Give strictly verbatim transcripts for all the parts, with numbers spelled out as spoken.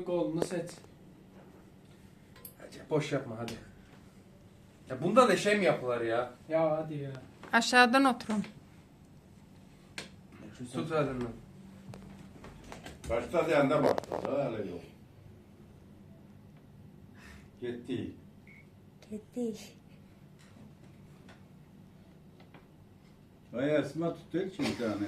kolunu seç. Hadi boş yapma hadi. Ya bunda da şey mi yapılır ya? Ya hadi ya. Aşağıdan oturun. Tut elimden. Başta yanında bak. Öyle yok. Gitti. Gitti. Vay Esma tutar ki bir tane.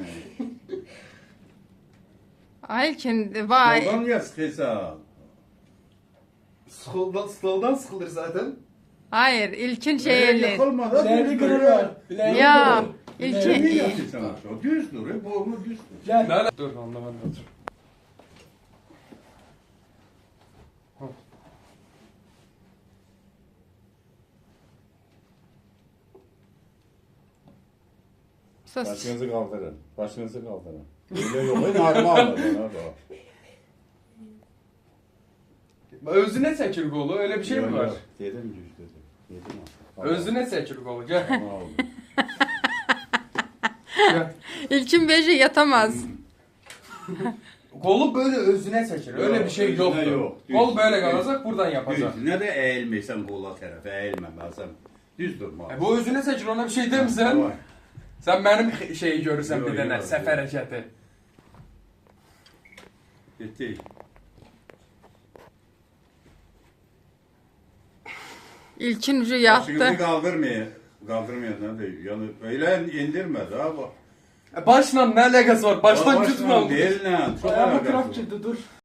Ay kendi vay. Oradan ya sıkıysa. Sıkıldan, sıkıldan sıkılır zaten. Hayır ilkin şey Şey elle. Yıkılmadan Bileğini düz kırılır. duruyor. Bileğini Ya kırılır. Ne ilkin yaptı sana şu? Düz duruyor. Boğumu düz duruyor. Gel. Ne? Dur anlamadım otur. sus. Başınızı kaldırın. Başınızı kaldırın. Öyle yok. Normal almadın. Özüne seçil kolu öyle bir şey mi var? Dedim düz dedim. Dedim ama. Özüne seçil kolu gel. Tamam. Gel. İlkin beji yatamaz. Kolu böyle özüne seçil. Öyle Yok, bir şey özüne yoktur. yok. Düz. Kol böyle Düz. kalacak buradan yapacak. Düz. Ne de eğilmeysen kola tarafa eğilmemezsen. Düz durma. E bu özüne seçil ona bir şey demisen. Tamam. Sen benim şeyi görürsen Yok, bir dene yok, sefer yok. hareketi. Gitti. İlkin ucu Başınızı yattı. kaldırmayın. Kaldırmayın. Ne diyor? Yani öyle indirmez abi. E başla ne alakası var? Baştan Başla tutmam. değil lan. Çok Ayağımı alakası var. kırap çıktı dur.